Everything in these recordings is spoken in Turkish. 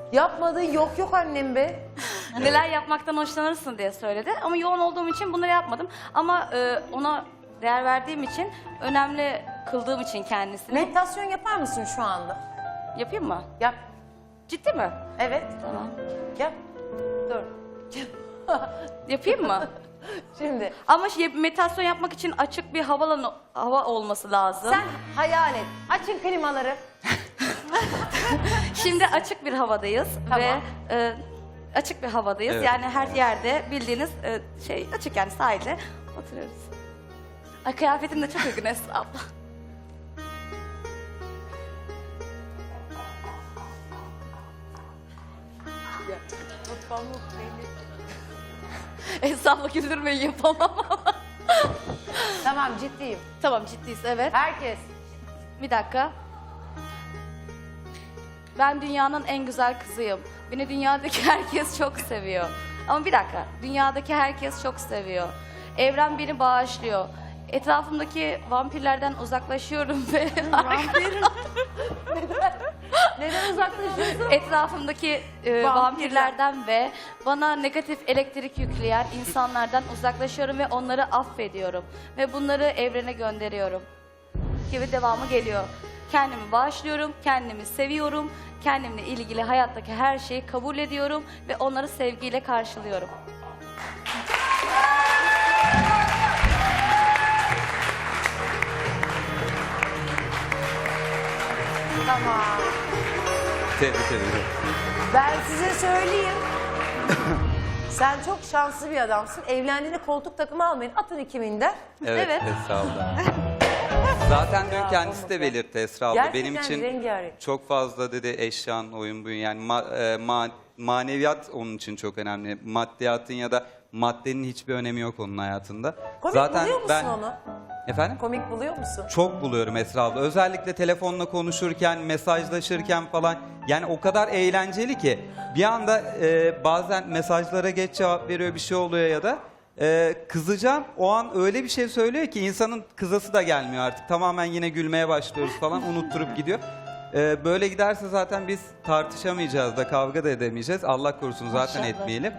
Yapmadığı yok annem be. Neler yapmaktan hoşlanırsın diye söyledi. Ama yoğun olduğum için bunları yapmadım. Ama ona değer verdiğim için, önemli kıldığım için kendisini. Meditasyon yapar mısın şu anda? Yapayım mı? Yap. Ciddi mi? Evet. Tamam. Yap. Dur. Yapayım mı? Şimdi Ama meditasyon yapmak için açık bir hava olması lazım. sen hayal et. Açın klimaları. Şimdi açık bir havadayız Tamam. ve açık bir havadayız. Evet. Yani her yerde bildiğiniz açık, yani sahilde oturuyoruz. Ay, kıyafetin de çok uygun Esra abla. Esra abla güldürmeyi yapamam ama. Tamam ciddiyim. Tamam, ciddiyiz, evet. Herkes. Bir dakika. Ben dünyanın en güzel kızıyım. Beni dünyadaki herkes çok seviyor. Ama bir dakika. Dünyadaki herkes çok seviyor. Evren beni bağışlıyor. Etrafımdaki vampirlerden uzaklaşıyorum ve Neden uzaklaşıyorsun? etrafımdaki vampirlerden ve bana negatif elektrik yükleyen insanlardan uzaklaşıyorum ve onları affediyorum. Ve bunları evrene gönderiyorum. Gibi devamı geliyor. Kendimi bağışlıyorum, kendimi seviyorum, kendimle ilgili hayattaki her şeyi kabul ediyorum ve onları sevgiyle karşılıyorum. Tamam. Tebrik ederim. Ben size söyleyeyim. Sen çok şanslı bir adamsın. Evlendiğinde koltuk takımı almayın. Atın 2000'de. Evet, Evet. Esra abla. Zaten dün kendisi de belirtti Esra abla. Gerçekten Benim için rengarenk. çok fazla dedi eşyan, oyun buyun. Yani maneviyat onun için çok önemli. Maddiyatın ya da maddenin hiçbir önemi yok onun hayatında. Komik Zaten buluyor musun onu? Efendim? Komik buluyor musun? Çok buluyorum Esra abla. Özellikle telefonla konuşurken, mesajlaşırken falan. Yani o kadar eğlenceli ki. Bir anda bazen mesajlara geç cevap veriyor, bir şey oluyor ya da kızacağım. O an öyle bir şey söylüyor ki insanın kızası da gelmiyor artık. Tamamen yine gülmeye başlıyoruz falan, unutturup gidiyor. Böyle giderse zaten biz tartışamayacağız da, kavga da edemeyeceğiz. Allah korusun zaten Maşallah. etmeyelim.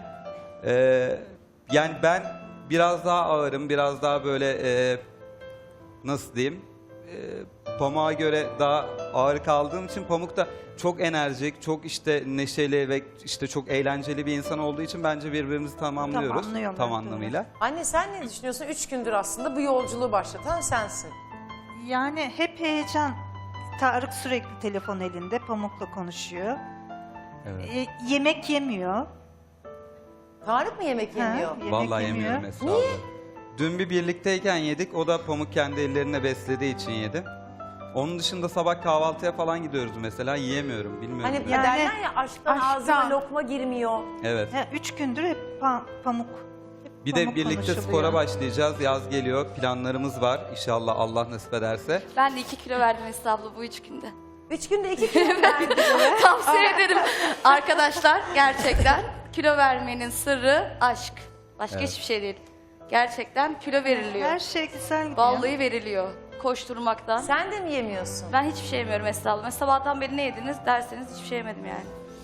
Yani ben biraz daha ağırım, biraz daha böyle nasıl diyeyim, Pamuk'a göre daha ağır kaldığım için Pamuk da çok enerjik, çok işte neşeli ve işte çok eğlenceli bir insan olduğu için bence birbirimizi tamamlıyoruz Tamamlıyorlar, tam doğru. anlamıyla. Anne sen ne düşünüyorsun? 3 gündür aslında bu yolculuğu başlatan sensin. Yani hep heyecan. Tarık sürekli telefon elinde, Pamuk'la konuşuyor. Evet. Yemek yemiyor. Tarık mı yemek yemiyor? Ha, yemek Vallahi yemiyor. yemiyorum Esra abla. Dün bir birlikteyken yedik, o da Pamuk kendi ellerine beslediği için yedi. Onun dışında sabah kahvaltıya falan gidiyoruz mesela, yiyemiyorum, bilmiyorum. Hani Yani- derler ya aşktan ağzına lokma girmiyor. Evet. 3 gündür hep Pamuk. Hep Bir de Pamuk birlikte konuşuluyor. spora başlayacağız. Yaz geliyor. Planlarımız var. İnşallah Allah nasip ederse. Ben de 2 kilo verdim Esra abla bu 3 günde. 3 günde 2 kilo verdin. Tavsiye ederim arkadaşlar, gerçekten kilo vermenin sırrı aşk. Başka Evet. hiçbir şey değil. Gerçekten kilo veriliyor. Her şey güzel gidiyor. Vallahi veriliyor koşturmaktan. Sen de mi yemiyorsun? Ben hiçbir şey yemiyorum Esra abla. Mesela sabahtan beri ne yediniz derseniz hiçbir şey yemedim yani.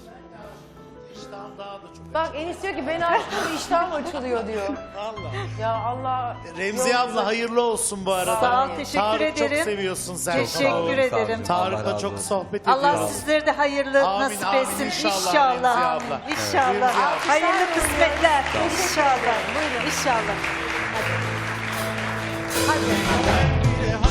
Bak Enis diyor ki beni açtığında iştahım açılıyor diyor. Allah. Ya Allah. Remziye abla hayırlı olsun bu arada. Sağ ol, teşekkür Tarık ederim. çok seviyorsun sen. Sağ olun, Teşekkür sağ olun. ederim. Allah Tarık'la razı çok olsun. sohbet Allah ediyoruz. sizleri de hayırlı Amin, nasip amin. etsin. İnşallah İnşallah. Remziye abla. İnşallah. Remziye abla. Hayırlı kısmetler. İnşallah. Buyurun. İnşallah. Ben bile